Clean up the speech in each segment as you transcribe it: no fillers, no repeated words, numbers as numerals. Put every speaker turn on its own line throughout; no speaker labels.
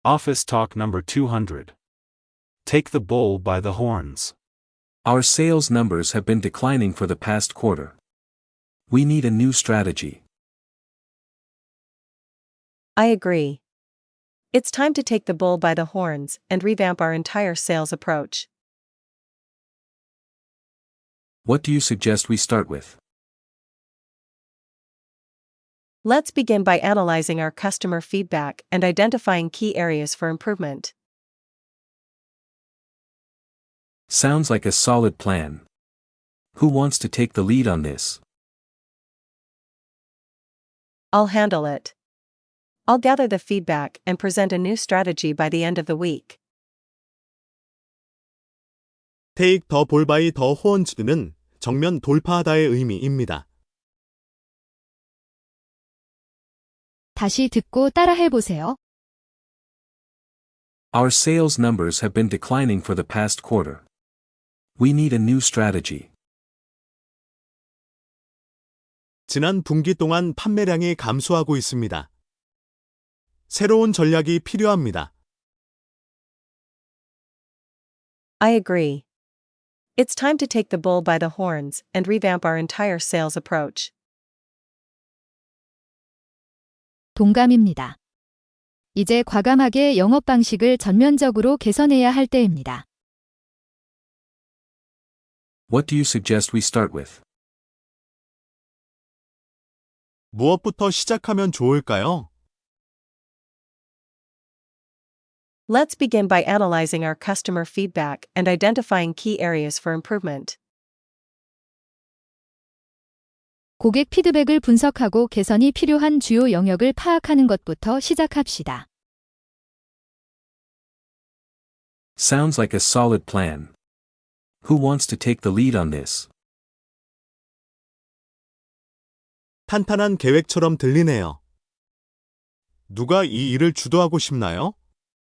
Office Talk number 200. Take the bull by the horns.
Our sales numbers have been declining for the past quarter. We need a new strategy.
I agree. It's time to take the bull by the horns and revamp our entire sales approach.
What do you suggest we start with?
Let's begin by analyzing our customer feedback and identifying key areas for improvement.
Sounds like a solid plan. Who wants to take the lead on this?
I'll handle it. I'll gather the feedback and present a new strategy by the end of the week.
Take the bull by the horns는 정면 돌파하다의 의미입니다.
다시 듣고 따라해보세요.
Our sales numbers have been declining for the past quarter. We need a new strategy.
지난 분기 동안 판매량이 감소하고 있습니다. 새로운 전략이 필요합니다.
I agree. It's time to take the bull by the horns and revamp our entire sales approach.
동감입니다. 이제 과감하게 영업 방식을 전면적으로 개선해야 할 때입니다.
What do you suggest we start with?
무엇부터 시작하면 좋을까요?
Let's begin by analyzing our customer feedback and identifying key areas for improvement.
고객 피드백을 분석하고 개선이 필요한 주요 영역을 파악하는 것부터 시작합시다.
Sounds like a solid plan. Who wants to take the lead on this?
탄탄한 계획처럼 들리네요. 누가 이 일을 주도하고 싶나요?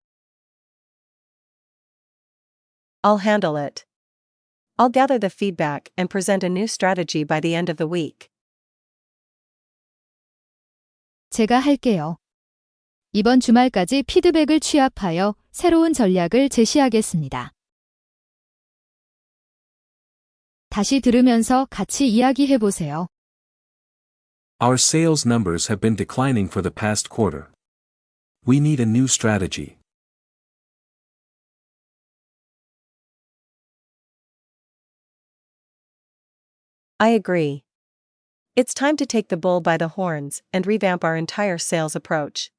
I'll handle it. I'll gather the feedback and present a new strategy by the end of the week.
제가 할게요. 이번 주말까지 피드백을 취합하여 새로운 전략을 제시하겠습니다. 다시 들으면서 같이 이야기해보세요.
Our sales numbers have been declining for the past quarter. We need a new strategy.
I agree. It's time to take the bull by the horns and revamp our entire sales approach.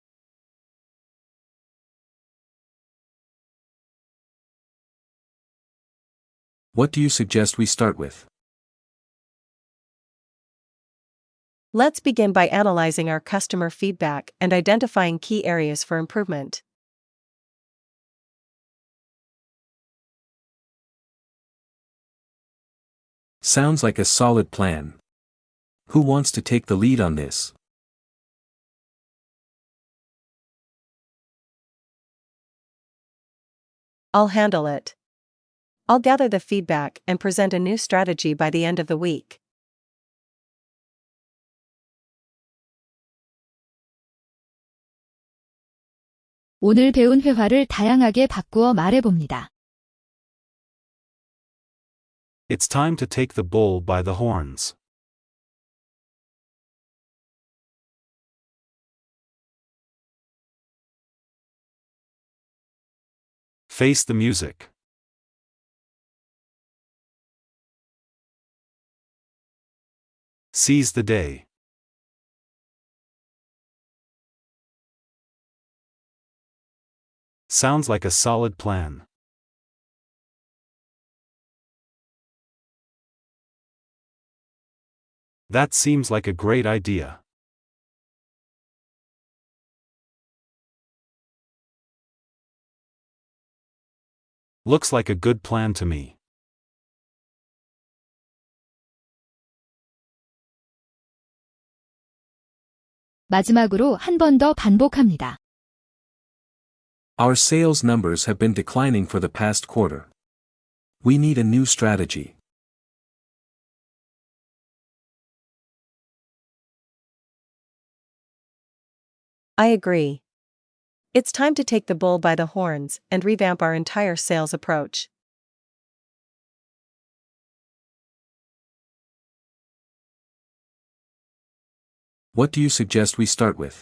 What do you suggest we start with?
Let's begin by analyzing our customer feedback and identifying key areas for improvement.
Sounds like a solid plan. Who wants to take the lead on this?
I'll handle it. I'll gather the feedback and present a new strategy by the end of the week.
오늘 배운 회화를 다양하게 바꾸어 말해봅니다.
It's time to take the bull by the horns. Face the music. Seize the day. Sounds like a solid plan. That seems like a great idea. Looks like a good plan to me.
마지막으로 한 번 더 반복합니다.
Our sales numbers have been declining for the past quarter. We need a new strategy.
I agree. It's time to take the bull by the horns and revamp our entire sales approach.
What do you suggest we start with?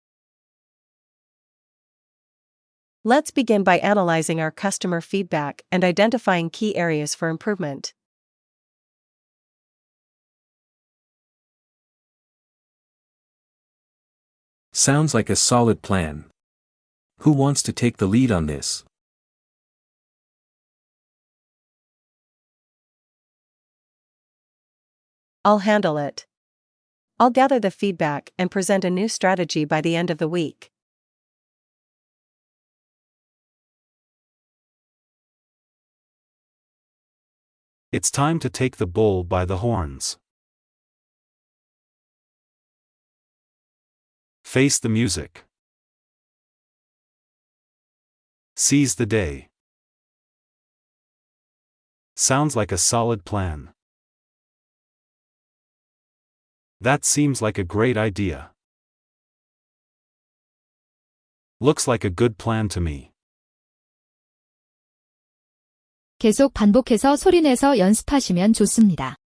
Let's begin by analyzing our customer feedback and identifying key areas for improvement.
Sounds like a solid plan. Who wants to take the lead on this?
I'll handle it. I'll gather the feedback and present a new strategy by the end of the week.
It's time to take the bull by the horns. Face the music. Seize the day. Sounds like a solid plan. That seems like a great idea. Looks like a good plan to me.
계속 반복해서 소리내서 연습하시면 좋습니다.